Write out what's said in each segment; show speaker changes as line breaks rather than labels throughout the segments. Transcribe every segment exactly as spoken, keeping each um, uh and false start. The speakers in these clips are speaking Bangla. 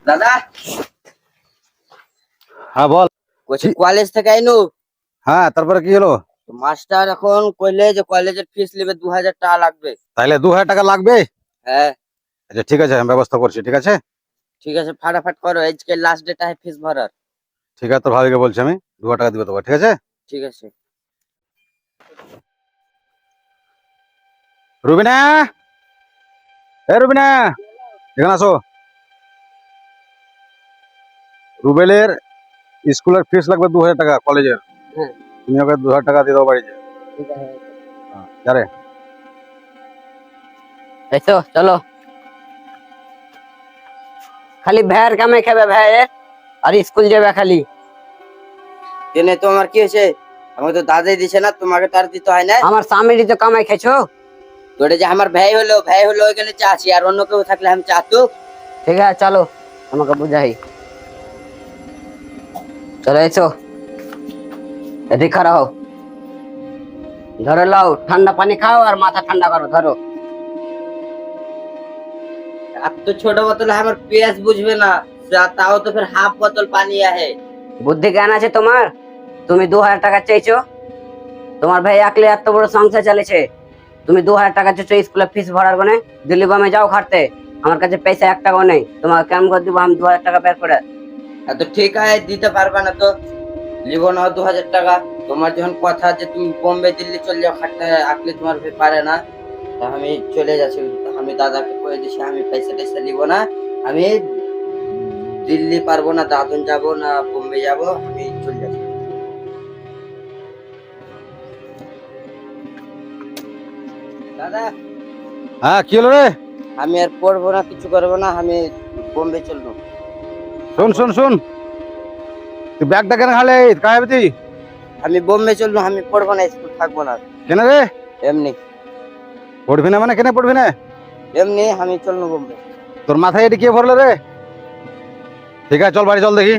দাদা
হ্যাঁ বল।
কোচিং কলেজ থেকে আইনু।
হ্যাঁ তারপরে কি হলো?
মাস্টার এখন কইলে যে কলেজের ফিস নেবে দু হাজার টাকা লাগবে।
তাইলে দু হাজার টাকা লাগবে?
হ্যাঁ
আচ্ছা ঠিক আছে, আমি ব্যবস্থা করছি। ঠিক আছে
ঠিক আছে, ফাটাফাট করো, আজকে লাস্ট ডেট আছে ফিস ভরার।
ঠিক আছে, তোর ভাবিকে বলছি আমি দু হাজার টাকা দিবে তোকে। ঠিক আছে
ঠিক আছে।
রুবিনা, এ রুবিনা এখানে আসো। রুবেলের স্কুলের ফিস লাগবে দু হাজার টাকা কলেজের।
হ্যাঁ
তুমি ওকে দু হাজার টাকা দিয়ে দাও বাড়িতে।
ঠিক আছে।
হ্যাঁ, যারে
এসো চলো। খালি ভ্যার কামে খাবে ভ্যার, আর স্কুল যাবে খালি। কেনে তোমার কি হয়েছে? আমাকে তো দাদাই দিছে না, তোমাকে তার দিতে হয় না। আমার স্বামীরই তো কামাই খাইছো। তোরে যে আমার ভাই হলো, ভাই হলো ওইখানে চাচ্ছি, আর অন্য কেউ থাকলে আমি চাচ্ছু। ঠিক আছে চলো, আমাকে বুঝাই। চলো এসো, এদিকে খাড়া হও। ধরো লাও, ঠান্ডা পানি খাও আর মাথা ঠান্ডা করো। ধরো। अब तो छोटा बोतल है, हमारे पेस बुझबे ना, তাও তো ফির হাফ বোতল পানি আহে। বুদ্ধি জ্ঞান আছে তোমার? তুমি দু হাজার টাকা চাইছো, তোমার ভাই একলে এত বড় সংসার চালিয়েছে, তুমি দু হাজার টাকা চাইছো স্কুলে ফিস ভরার গনে। দিল্লি বামে যাও খাটতে, আমার কাছে পয়সা এক টাকাও নেই, তোমাকে কেমন করে দিব আমি দু হাজার টাকা বের করে? তো ঠিক আছে, দিতে পারবা না তো লিব না দু হাজার টাকা। তোমার যখন কথা যে তুমি বোম্বে দিল্লি চলে যাও খাটতে, আকলে তোমার ভাই পারে না, তা আমি চলে যাচ্ছি। আমি দাদাকে কয়ে দিছি আমি পয়সা টয়সা নিব না, আমি দিল্লি পারবো না, দাদন যাব না বোম্বে যাব, আমি চলে যাচ্ছি। দাদা
হ্যাঁ কি হলো রে?
আমি আর পড়বো না, কিছু করবো না, আমি বোম্বে চলবো।
শোন শোন শোন, তুই ব্যাগটা কেন খালে কায় হবে তুই?
আমি বোম্বে চলবো, আমি পড়বো না, স্কুল থাকবো না।
কেন রে?
এমনি
পড়বি না মানে কেন পড়বি না?
এমনি আমি চলবো বোম্বে।
তোর মাথায় এটি কে ভরলো রে? ঠিক আছে চল বাড়ি চল দেখি।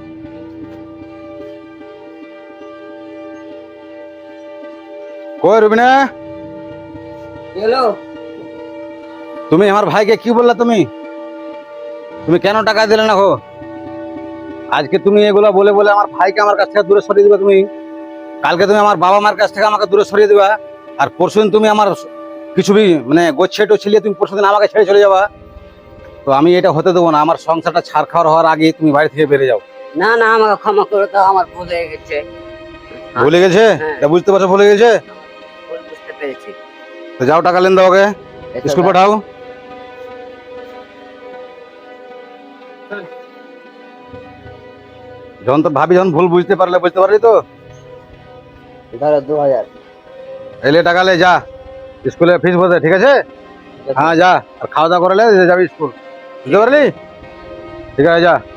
কই রুবিনা,
হ্যালো।
তুমি আমার ভাইকে কি বললা? তুমি তুমি কেন টাকা দিলে না গো? আজকে তুমি এগুলা বলে বলে আমার ভাইকে আমার কাছ থেকে দূরে সরিয়ে দিবা তুমি। কালকে তুমি আমার বাবা মার কাছ থেকে আমাকে দূরে সরিয়ে দিবা, আর পরশুদিন তুমি আমার কিছু বি মানে গোচ্ছে ছিলিয়ে তুমি পরশুদিন আমাকে ছেড়ে চলে যাবা। তো আমি এটা হতে দেবো না। আমার সংসারটা ছাড় খাওয়ার হওয়ার আগে তুমি বাড়ি থেকে বেরিয়ে যাও।
না না, আমাকে ক্ষমা করে দাও, আমার ভুল হয়ে গেছে।
ভুলে গেছে?
হ্যাঁ।
এটা বুঝতে পারছো ভুলে গেছে?
ভুল বুঝতে পেরেছি।
তো যাও টাকা লেন দাও, ওকে
এসো
স্কুল
দাদা।
পাঠাও। যখন তো ভাবি যখন ভুল বুঝতে পারলে বুঝতে পারলি তো
ধরো দু হাজার।
এলে টাকা লে, যা স্কুলে ফিস ভরতে। ঠিক আছে হ্যাঁ যা, আর খাওয়া দাওয়া করে লে যাবি স্কুল। বুঝতে পারলি? ঠিক আছে যা।